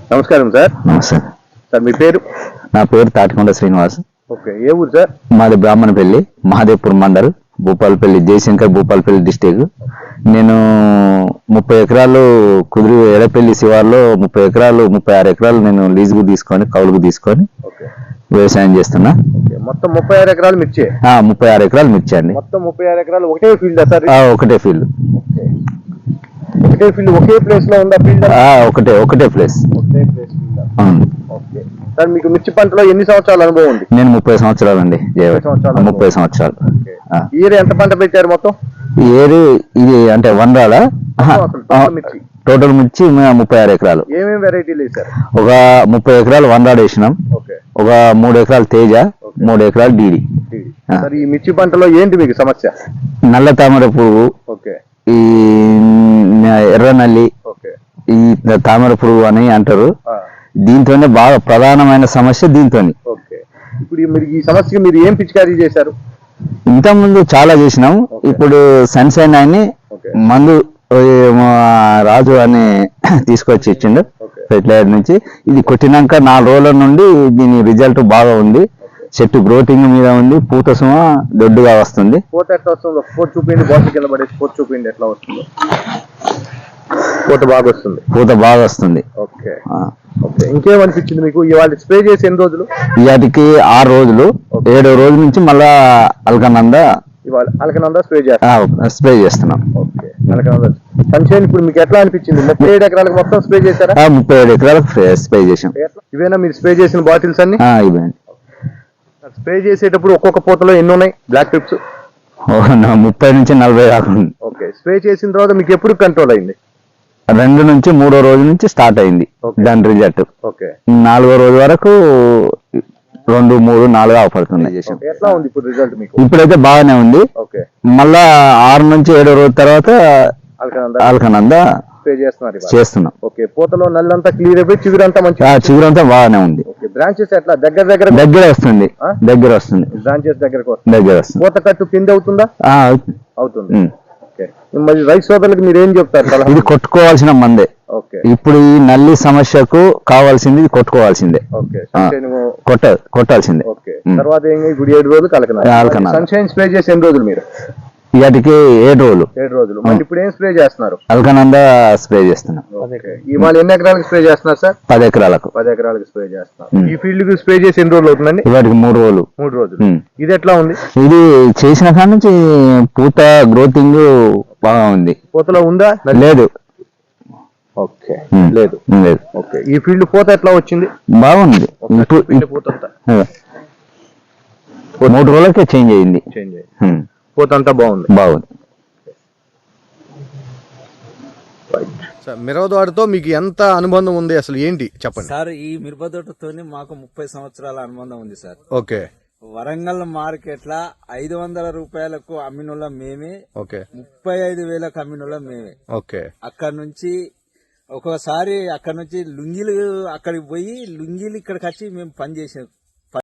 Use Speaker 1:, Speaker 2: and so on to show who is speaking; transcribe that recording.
Speaker 1: నమస్కారం సార్.
Speaker 2: నమస్తే
Speaker 1: సార్ మీ పేరు?
Speaker 2: నా పేరు తాటికొండ శ్రీనివాస్.
Speaker 1: ఓకే, ఏ ఊరు సార్?
Speaker 2: మాది బ్రాహ్మణపల్లి, మహాదేవ్పూర్ మండల్, భూపాలపల్లి, జయశంకర్, భూపాలపల్లి డిస్టిక్. నేను 30 ఎకరాలు కుదిరి ఎడపల్లి శివార్లో 30 ఎకరాలు 36 ఎకరాలు నేను లీజుకు తీసుకొని కౌలుకు తీసుకొని వ్యవసాయం చేస్తున్నా.
Speaker 1: మొత్తం 36 ఎకరాలు మిర్చి?
Speaker 2: 36 ఎకరాలు మిర్చి అండి.
Speaker 1: మొత్తం 36 ఎకరాలు ఒకటే ఫీల్డ్ సార్?
Speaker 2: ఒకటే ఫీల్డ్.
Speaker 1: ఒకటే ఫీల్డ్ ఒకే ప్లేస్ లో ఉందా ఫీల్డ్?
Speaker 2: ఒకటే ప్లేస్.
Speaker 1: ఓకే సార్, మీకు మిర్చి పంటలో ఎన్ని సంవత్సరాల అనుభవం ఉంది?
Speaker 2: నేను 30 సంవత్సరాలు అండి. 30 సంవత్సరాలు.
Speaker 1: ఇయర్ ఎంత పంట పెట్టారు మొత్తం?
Speaker 2: ఏరు ఇది అంటే వందల టోటల్ మిర్చి 36 ఎకరాలు.
Speaker 1: ఏమేమి వెరైటీలు వేసారు?
Speaker 2: ఒక 30 ఎకరాలు వందరాడు వేసినాం, ఒక 3 ఎకరాలు తేజ, 3 ఎకరాలు డీడీ.
Speaker 1: ఈ మిర్చి పంటలో ఏంటి మీకు సమస్య?
Speaker 2: నల్ల తామర పురుగు, ఈ ఎర్ర నల్లి, ఈ తామర పురుగు అని అంటారు. దీంతోనే బాగా ప్రధానమైన సమస్య దీంతో.
Speaker 1: ఇప్పుడు మీరు ఈ సమస్య మీరు ఏం పిచికారీ చేశారు?
Speaker 2: ఇంతకుముందు చాలా చేసినాం. ఇప్పుడు సన్షైన్ అని మందు రాజు అని తీసుకొచ్చి ఇచ్చిండు ఫెర్టిలైజర్ నుంచి. ఇది కొట్టినాక 4 రోజుల నుండి దీని రిజల్ట్ బాగా ఉంది. చెట్టు గ్రోతింగ్ మీద ఉంది, పూత సుమ దొడ్డుగా వస్తుంది.
Speaker 1: పూత ఎట్లా వస్తుంది? పూత చూపిండి, బాటిల్ కింద పడేసి పూత చూపిండి ఎట్లా వస్తుంది? పూత బాగా వస్తుంది. పూత బాగా వస్తుంది. ఓకే, ఇంకేమనిపించింది మీకు? ఇవాళ స్ప్రే చేసి ఎన్ని రోజులు?
Speaker 2: ఇవాటికి 6 రోజులు. 7వ రోజు నుంచి మళ్ళా అల్కనంద స్ప్రే చేస్తున్నాం.
Speaker 1: సన్షైన్ ఇప్పుడు మీకు ఎట్లా అనిపించింది? 37 ఎకరాలకు మొత్తం స్ప్రే చేశారా?
Speaker 2: 37 ఎకరాలకు స్ప్రే చేసాం.
Speaker 1: ఇవేనా మీరు స్ప్రే చేసిన బాటిల్స్ అన్ని?
Speaker 2: ఇవే.
Speaker 1: స్ప్రే చేసేటప్పుడు ఒక్కొక్క పూతలో ఎన్ని ఉన్నాయి బ్లాక్ ట్రిప్స్?
Speaker 2: 30 నుంచి 40 దాకా.
Speaker 1: ఓకే, స్ప్రే చేసిన తర్వాత మీకు ఎప్పుడు కంట్రోల్ అయింది?
Speaker 2: 2 నుంచి 3వ రోజు నుంచి స్టార్ట్ అయింది దాని రిజల్ట్. 4వ రోజు వరకు 2, 3, 4 అవపడుతుంది.
Speaker 1: ఎట్లా ఉంది ఇప్పుడు రిజల్ట్ మీకు?
Speaker 2: ఇప్పుడైతే బాగానే ఉంది. మళ్ళా 6 నుంచి 7వ రోజు తర్వాత అల్కనంద చేస్తున్నాం.
Speaker 1: ఓకే, పూతలో నల్లంతా క్లియర్ అయిపోయి చిగురంతా మంచి
Speaker 2: చిగురంతా బాగానే ఉంది.
Speaker 1: బ్రాంచెస్ ఎట్లా దగ్గర
Speaker 2: వస్తుంది.
Speaker 1: బ్రాంచెస్ దగ్గర వస్తుంది. పూత కట్టు కింద అవుతుందా? అవుతుంది. మరి రైతు సోదరులకు మీరు ఏం చెప్తారు?
Speaker 2: ఇది కొట్టుకోవాల్సిన మందే. ఇప్పుడు ఈ నల్లి సమస్యకు కావాల్సింది ఇది కొట్టుకోవాల్సిందే. కొట్టాల్సిందే.
Speaker 1: తర్వాత ఇప్పుడు 7 రోజులు కలకనాలి. సన్షైన్ స్ప్రే చేసి ఎన్ని రోజులు మీరు?
Speaker 2: ఇవాటికి 7 రోజులు.
Speaker 1: 7 రోజులు. ఇప్పుడు ఏం స్ప్రే చేస్తున్నారు?
Speaker 2: అల్కనంద స్ప్రే చేస్తున్నాం.
Speaker 1: ఇవాళ ఎన్ని ఎకరాలకు స్ప్రే చేస్తున్నారు సార్?
Speaker 2: 10 ఎకరాలకు.
Speaker 1: 10 ఎకరాలకు స్ప్రే చేస్తున్నారు. ఈ ఫీల్డ్ కి స్ప్రే చేసి ఎన్ని రోజులు అవుతుందండి?
Speaker 2: ఇవాటికి 3 రోజులు.
Speaker 1: 3 రోజులు. ఇది ఎట్లా ఉంది?
Speaker 2: ఇది చేసిన కాడ నుంచి పూత గ్రోతింగ్ బాగా ఉంది.
Speaker 1: పూతలో ఉందా? లేదు. ఓకే, లేదు. ఓకే, ఈ ఫీల్డ్ పూత ఎట్లా వచ్చింది?
Speaker 2: బాగుంది.
Speaker 1: పూత అంతా
Speaker 2: 3 రోజులకే చేంజ్ అయింది.
Speaker 1: పూత అంతా బాగుంది. మిరపతోటతో మీకు ఎంత అనుబంధం ఉంది, అసలు ఏంటి చెప్పండి
Speaker 3: సార్? ఈ మిరపతోటతో మాకు 30 సంవత్సరాల అనుబంధం ఉంది సార్.
Speaker 1: ఓకే,
Speaker 3: వరంగల్ మార్కెట్ లా 500 రూపాయలకు అమ్మినోళ్ళ మేమే, 35,000కు అమ్మినోళ్ళ మేమే.
Speaker 1: ఓకే,
Speaker 3: అక్కడ నుంచి ఒక్కోసారి అక్కడ నుంచి లుంగీలు అక్కడికి పోయి లుంగీలు ఇక్కడికి వచ్చి మేము పని చేసాం